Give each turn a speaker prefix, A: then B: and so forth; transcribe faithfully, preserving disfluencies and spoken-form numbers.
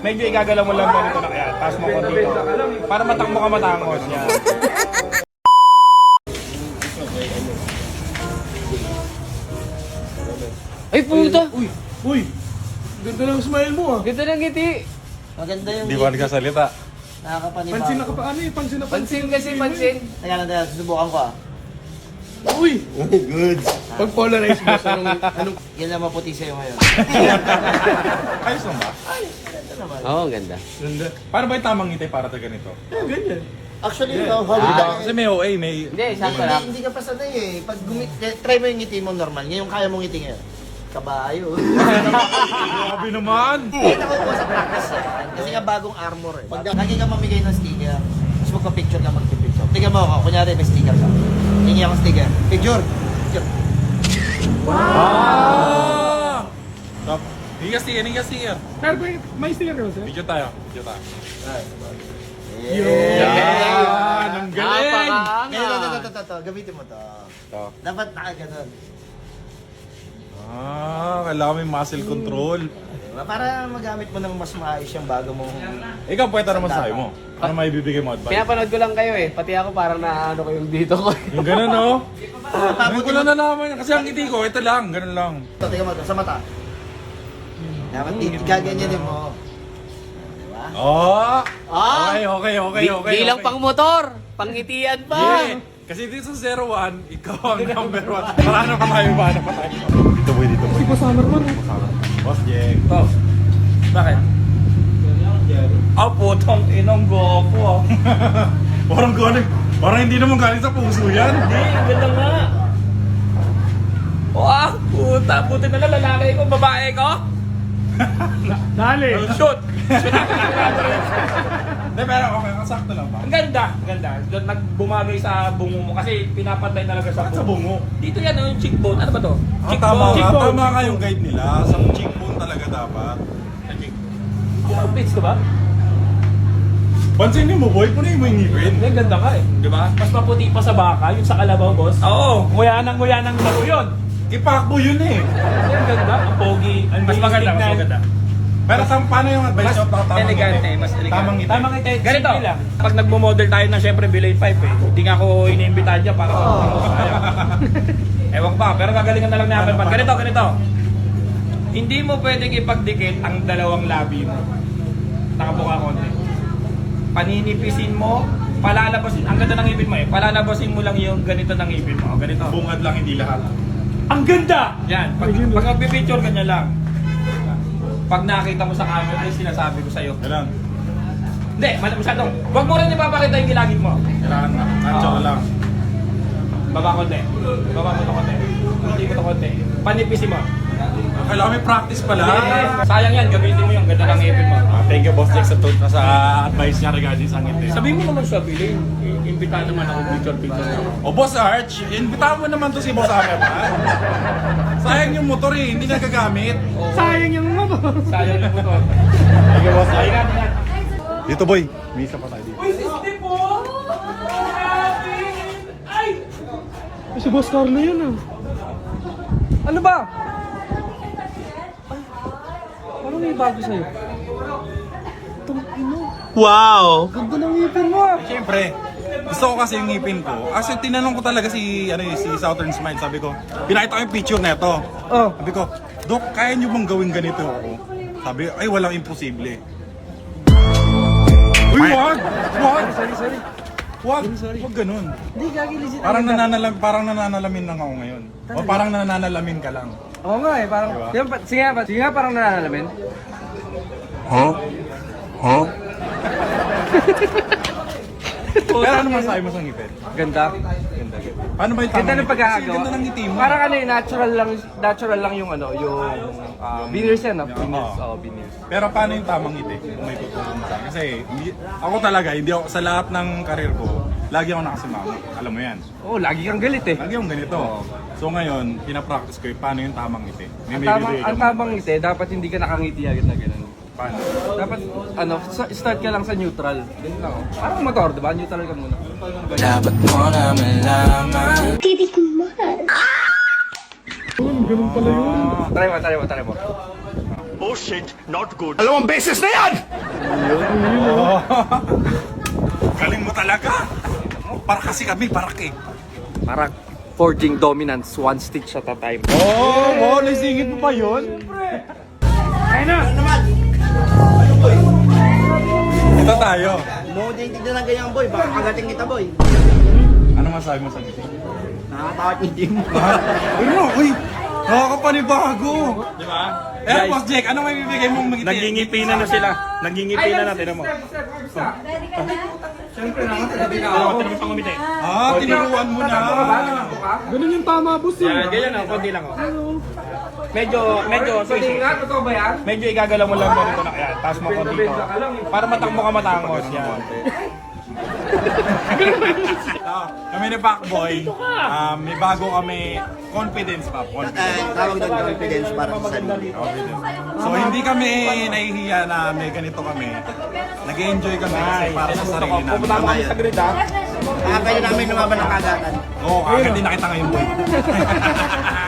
A: medyo igagalaw mo lang ganito na kaya. Taas mo konti dito. Para matakbo ka matangos. Yan.
B: Ay, puta!
A: Uy! Uy! Ganda ng smile mo ah.
B: Ganda ng ngiti.
C: Maganda yung
D: Di ba nagkasalita?
C: nakakapanibago.
A: Pansin na ka pa. Ano eh? Pansin na
B: Pansin kasi, pansin.
C: Teka lang, teka, susubukan ko ah.
A: Uy!
D: Good.
A: Pag polarize mo, anong... anong...
C: Yan lang maputi sa'yo ngayon.
D: Ayos lang ba?
B: Oo, oh, ang ganda.
A: Ganda.
D: Paano ba yung tamang ngiti para sa ganito?
A: Ah, ganyan.
C: Actually, no, how
B: Ah.
D: Kasi may O A, may...
B: Hindi, sakto
C: hindi,
B: lang.
C: hindi ka pa sanay eh. Pag gumit, try mo yung ngiti mo normal. Ngayon kaya mong ngiti ngayon. Kabayo.
D: Grabe naman!
C: Hindi nakukuha sa practice yan. Kasi nga bagong armor eh. Pag lagi ka mamigay ng sticker, tapos magpa-picture ka magpa-picture. Tingnan mo ako, kunyari may sticker ka. Hingi akong sticker. Picture. Picture.
D: Ah! Stop. Hindi ka sticker, hindi ka sticker.
A: Pero may- may sticker ka ba sir?
D: Video tayo, video tayo.
B: Yan!
D: Ang galing!
C: Ngayon, ito,
B: Napakaangas!
C: ito, ito, ito. Gamitin mo to.
D: Ito.
C: Dapat nakaganon.
D: Ah, kailangan may muscle control.
C: Diba? Para magamit mo ng mas maayos yung bago mong...
D: Ikaw, pwede naman sa'yo mo. Ano may bibigay mo advice?
B: Pinapanood ko lang kayo eh. Pati ako parang naano ko yung dito ko.
D: Yung ganun, no? Ngayon
C: Pabuti
D: ko
C: mo.
D: lang nalaman. Kasi ang ngiti ko, ito lang, ganun lang.
C: Ito, tingnan mo ito, sa mata. Dapat di gaganyanin mo. Diba?
D: Oh!
C: Ah!
D: Okay, okay, okay,
B: Di,
D: okay.
B: di lang
D: okay.
B: pang motor. Pangitian pa.
D: Yeah. Kasi dito sa zero one, ikaw ang number one. Para na pa tayo, para na pa tayo. Dito boy, dito boy.
A: Si Boss Hammer man.
D: Boss Jeng.
A: Oh. Bakit? Ah, putong inong gopo ah.
D: Parang galing, parang hindi naman galing sa puso yan.
A: Hindi, ang ganda nga. Wah, puta, puta na lang lalaki ko, babae ko. Dali. Shoot. Shoot ako
D: Hindi, pero okay, sakto lang ba?
A: Ang ganda, ang ganda. Doon nagbumagay sa bungo mo kasi pinapantay talaga sa
D: Bakit sa bungo?
A: Dito yan, yung cheekbone. Ano ba to?
D: Ah, tama ka,
A: Cheekbone.
D: tama ka yung guide nila. Sa cheekbone talaga dapat. Sa cheek-
A: Pits ko ba?
D: Pansinin mo boy, punin mo yung ngipin.
A: Ang ganda ka eh. Di ba? Mas maputi pa sa baka, yung sa kalabaw, boss. Oo. Nguya ng nguya ng laro yun.
D: Ipakbo yun eh.
A: Ang ganda, ang pogi. Ang
D: Mas maganda, mas
A: tignan.
D: maganda. Pero tam, paano yung advice
A: Mas
D: nyo? Tamang
A: elegante,
D: ngiti.
A: mas elegante.
D: Tamang ngiti.
A: Tamang ngiti. Ganito, pag nagmo-model tayo ng syempre Bilay five eh, hindi nga ako iniimbitahan dyan para oh. Ewan ko pa, pero gagalingan na lang namin.
D: Paano,
A: Ganito, ganito. Hindi mo pwedeng ipagdikit ang dalawang labi mo. Nakabuka konti. Paninipisin mo, palalabasin. Ang ganda ng ngipin mo eh. Palalabasin mo lang yung ganito ng ngipin mo. Ganito.
D: Bungad lang, hindi lahat.
A: Ang ganda! Yan. Pag, pag magpipicture, ganyan lang. Pag nakita mo sa camera, ay sinasabi ko sa'yo.
D: Ganun.
A: Hindi, mal- masyadong. Huwag mo rin ipapakita yung gilagid mo.
D: Kailangan na. Nacho
A: Oo.
D: lang.
A: Baba konti. Baba mo to konti. Hindi mo to konti. Panipisin mo.
D: Kailangan may practice pala.
A: Yes. Sayang yan, gamitin mo yung ganda ng ngipin mo.
D: Ah, thank you, Boss Jack, sa, tut- sa advice niya regarding sa ngiti.
A: Sabihin mo naman sa Billy, imbitahan naman ako picture picture.
D: O Boss Arch, invitahan mo naman to si Boss Hammer, ha? Sayang yung motor eh, hindi nagagamit.
A: Sayang yung motor. Sayang yung motor.
D: Thank you, Boss
A: Ingat, ingat.
D: Dito boy, may isa pa tayo dito.
A: Uy, sixty po! Ay!
E: Si Boss Carlo yun ah.
A: Ano ba?
E: Parang may bago sa'yo. Itong ino.
D: Wow!
E: Ganda ng ngipin mo ah.
D: Siyempre, gusto ko kasi yung ngipin ko. Kasi tinanong ko talaga si, ano, eh, si Southern Smile, sabi ko, pinakita ko yung picture na ito.
E: Oh.
D: Sabi ko, Dok, kaya nyo bang gawin ganito ako? Sabi, ay walang imposible. Uy, wag! Wag!
E: Sorry, sorry.
D: Wag! Wag ganun.
E: Hindi, gagi legit.
D: Parang nananalam, parang nananalamin lang ako ngayon. O parang nananalamin ka lang.
E: Oo nga eh, parang...
D: Diba?
E: Diba? Sige nga, sige nga parang nananalamin.
D: Huh? Huh? Pero ano masabi mo sa ngipin?
E: Ganda.
D: Ganda, ganda. Paano ba yung
E: Ganda
D: tamang
E: ng pagkakagawa.
D: Kasi ganda ng ngiti mo.
E: Parang ano eh, natural lang, natural lang yung ano, yung... Uh, veneers yan ah,
D: Yeah,
E: veneers.
D: oo.
E: Oo, veneers.
D: Pero paano yung tamang ngiti? Kung may tutulong sa akin. Kasi hindi, ako talaga, hindi ako, sa lahat ng karir ko, lagi ako nakasimama. Alam mo yan.
E: Oo, lagi kang galit eh.
D: Lagi akong ganito. So ngayon, pinapractice ko yung paano yung tamang ngiti. May
E: Ang
D: may
E: tamang,
D: bibigay ka
E: ang
D: mo.
E: tamang ngiti, dapat hindi ka nakangiti agad na ganun.
D: Paano?
E: Dapat, ano, sa- start ka lang sa neutral. Ganun lang. oh. Parang motor, diba? Neutral ka muna.
F: Dapat mo na malaman.
E: Try mo, try mo, try mo.
D: Oh Oh. Galing mo talaga. Oh, para kasi kami, parak eh.
E: Parang forging dominance, one stitch at a time.
D: Oh, oh, naisingit mo pa yun? Ito tayo.
C: Mo din tignan ng ganyan boy, baka kagating kita boy.
D: Ano masabi mo sa dito?
C: Nakakatakot yung team mo.
D: Ano? Uy! Nakakapanibago!
A: Di ba?
D: Eh, Boss Jake, ano may bibigay mong magiging?
A: Nangingipi na na sila. Nangingipi na na, tinan mo.
E: Siyempre naman, sabi na
A: Tinan
E: ako.
A: mo, tinan mo pang umiti.
D: Ah, tinuruan mo na.
E: Ganun yung tama, boss.
A: Yan, ganyan lang, konti lang. Oh. Medyo, medyo,
E: Pwede nga, totoo ba yan?
A: medyo igagalaw mo lang mo rito na kaya. Tapos mo konti to. Para matakbo ka matangos. Yan.
D: Ah, kami ni Pacboy, um, may bago kami confidence pa. Confidence.
C: Eh, tawag doon confidence para sa sarili.
D: Confidence. So hindi kami nahihiya na may ganito kami. Nag-enjoy kami kasi para sa sarili namin.
A: Pupunta mo kami sa grid ha.
C: Kaya pwede namin lumaban ng kagatan.
D: Oo, agad din nakita ngayon boy.